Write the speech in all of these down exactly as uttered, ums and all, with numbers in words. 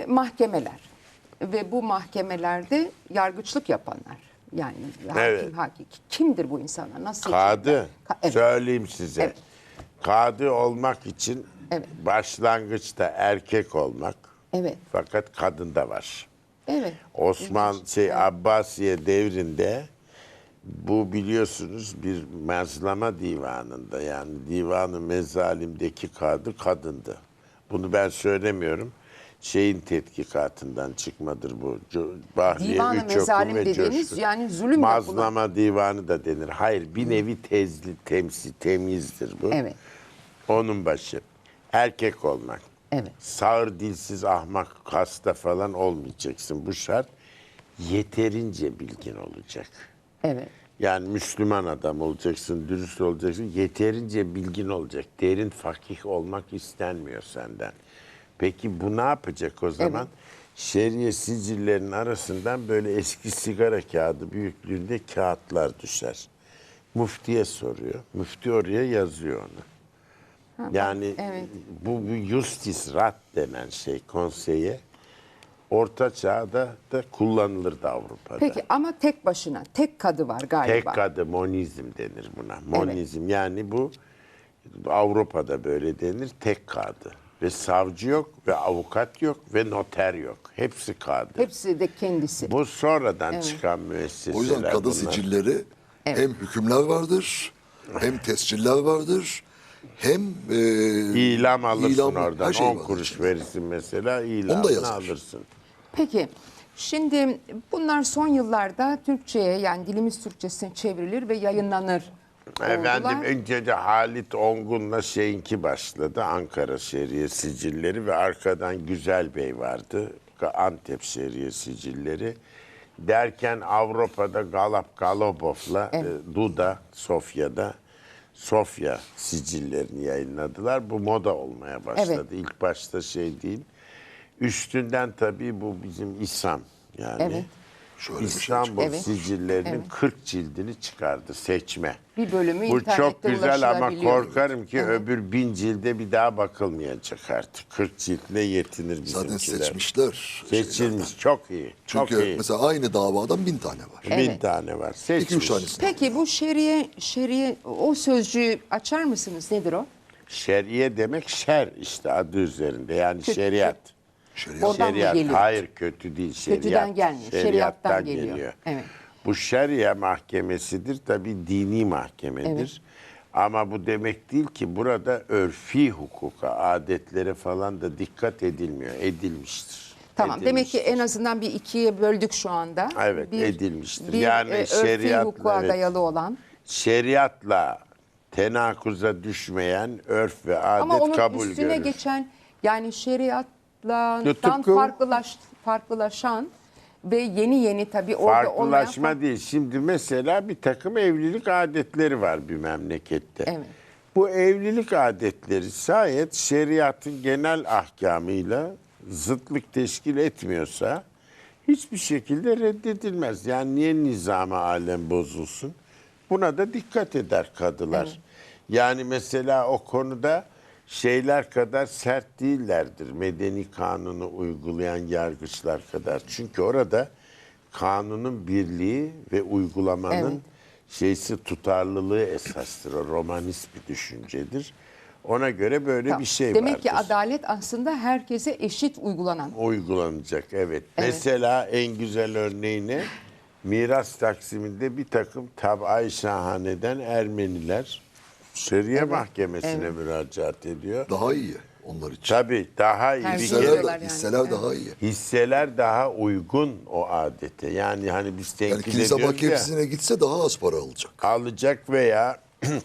mahkemeler ve bu mahkemelerde yargıçlık yapanlar. Yani Evet. hakim, hakim. Kimdir bu insanlar? Nasıl Kadı, seçilirler? Ka- evet. söyleyeyim size. Evet. Kadı olmak için Evet. başlangıçta erkek olmak. Evet. Fakat kadın da var. Evet. Osman İlginç. şey Evet. Abbasiye devrinde bu biliyorsunuz bir mezlama divanında, yani divanı mezalimdeki kadı kadındı. Bunu ben söylemiyorum. Şeyin tetkikatından çıkmadır bu. Co- Bahriye Divanı Üç Oku mezalim ve dediğiniz Coşkun. yani zulüm Mazlama yapılan. divanı da denir. Hayır, bir nevi tezli, temsil, temizdir bu. Evet. Onun başı. Erkek olmak. Evet. Sağır, dilsiz, ahmak, hasta falan olmayacaksın. Bu şart. Yeterince bilgin olacak. Evet. Yani Müslüman adam olacaksın, dürüst olacaksın. Yeterince bilgin olacak. Derin fakih olmak istenmiyor senden. Peki bu ne yapacak o zaman? Evet. Şeriye sicillerinin arasından böyle eski sigara kağıdı büyüklüğünde kağıtlar düşer. Müftiye soruyor. Müfti oraya yazıyor onu. Ha, Yani evet. bu bir justis rat denen şey konseye Orta Çağ'da da kullanılırdı Avrupa'da. Peki ama tek başına, tek kadı var galiba. Tek kadı monizm denir buna. Monizm yani bu Avrupa'da böyle denir, tek kadı. Ve savcı yok ve avukat yok ve noter yok. Hepsi kadı. Hepsi de kendisi. Bu sonradan çıkan müesseseler O yüzden kadı bunlar. sicilleri hem hükümler vardır, hem tesciller vardır, hem e, İlam alırsın ilam- oradan. her şey on var kuruş içinde. verirsin mesela, Onu da ilamını yazar. alırsın. Peki şimdi bunlar son yıllarda Türkçe'ye yani dilimiz Türkçesine çevrilir ve yayınlanır. Efendim oldular. önce de Halit Ongun'la şeyinki başladı. Ankara Şeriye Sicilleri ve arkadan Güzel Bey vardı. Antep Şeriye Sicilleri. Derken Avrupa'da Galap Galobov'la Evet. e, Duda Sofya'da Sofya sicillerini yayınladılar. Bu moda olmaya başladı. Evet. İlk başta şey değil. Üstünden tabii bu bizim İslam yani. Evet. Şöyle bir şey İstanbul Evet. sicillerinin Evet. kırk cildini çıkardı seçme. Bir bölümü Bu internette çok güzel ama ulaşılabiliyor. korkarım ki öbür bin cilde bir daha bakılmayacak artık. kırk ciltle yetinir bizimkiler. Zaten seçmişler. Seçilmiş, çok iyi. Çok Çünkü iyi. mesela aynı davadan bin tane var. Bin Evet. tane var. İki Seçmiş. üç tanesi. Peki bu şeriye, şeriye o sözcüğü açar mısınız? Nedir o? Şeriye demek şer işte adı üzerinde. Yani Kötü. şeriat. Şeriat. Oradan mı Şeriat. geliyor? Hayır kötü değil. Şeriat. Kötüden gelmiyor, şeriattan geliyor. Evet. Bu şeriye mahkemesidir. Tabii dini mahkemedir. Evet. Ama bu demek değil ki burada örfi hukuka, adetlere falan da dikkat edilmiyor. Edilmiştir. Tamam. Demek ki Edilmiştir. en azından bir ikiye böldük şu anda. Evet, edilmiştir. Bir Yani e, örfi şeriatla, hukuka evet. dayalı olan. Şeriatla tenakuza düşmeyen örf ve adet Ama onun kabul üstüne görür. geçen yani şeriatla Tıpkı- farklılaş, farklılaşan ve yeni yeni tabii orada olmayan Farklılaşma fark- değil. Şimdi mesela bir takım evlilik adetleri var bir memlekette. Evet. Bu evlilik adetleri şayet şeriatın genel ahkamıyla zıtlık teşkil etmiyorsa hiçbir şekilde reddedilmez. Yani niye nizam-ı alem bozulsun? Buna da dikkat eder kadılar. Yani mesela o konuda şeyler kadar sert değillerdir. Medeni kanunu uygulayan yargıçlar kadar. Çünkü orada kanunun birliği ve uygulamanın Evet. şeysi tutarlılığı esastır. O romanist bir düşüncedir. Ona göre böyle Tamam. bir şey Demek vardır. ki adalet aslında herkese eşit uygulanan. Uygulanacak evet. Mesela en güzel örneğini miras taksiminde bir takım tab-i şahaneden Ermeniler şeriye mahkemesine müracaat ediyor. Daha iyi onlar için. Tabii daha iyi bir Tercih kere Hisseler, ediyorlar da, yani. hisseler Evet. daha iyi. hisseler daha uygun o adete. Yani hani biz Yani tenkit kilise ediyoruz ya, mahkemesine gitse daha az para alacak. alacak veya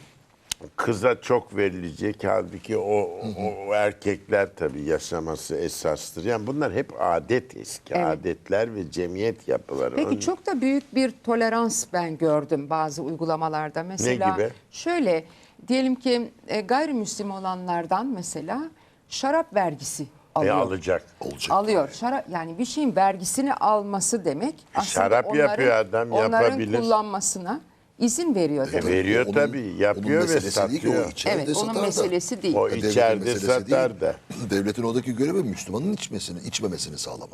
kıza çok verilecek. Halbuki o, o, o erkekler tabii yaşaması esastır. Yani bunlar hep adet eski. Evet. Adetler ve cemiyet yapıları. Peki Onun- çok da büyük bir tolerans ben gördüm bazı uygulamalarda. Mesela gibi? şöyle diyelim ki e, gayrimüslim olanlardan mesela şarap vergisi E, alıyor. alacak. Olacak. Alıyor. Şarap yani bir şeyin vergisini alması demek aslında Şarap onların, yapıyor adam, onların yapabilir. kullanmasına izin veriyor E, demek. veriyor Onun- tabii, yapıyor onun ve meselesi değil ki, o satıyor. içeride Evet, onun satar da. meselesi değil. O Devletin içeride meselesi satar değil. da. Devletin oradaki görevi Müslümanın içmesini, içmemesini sağlamak.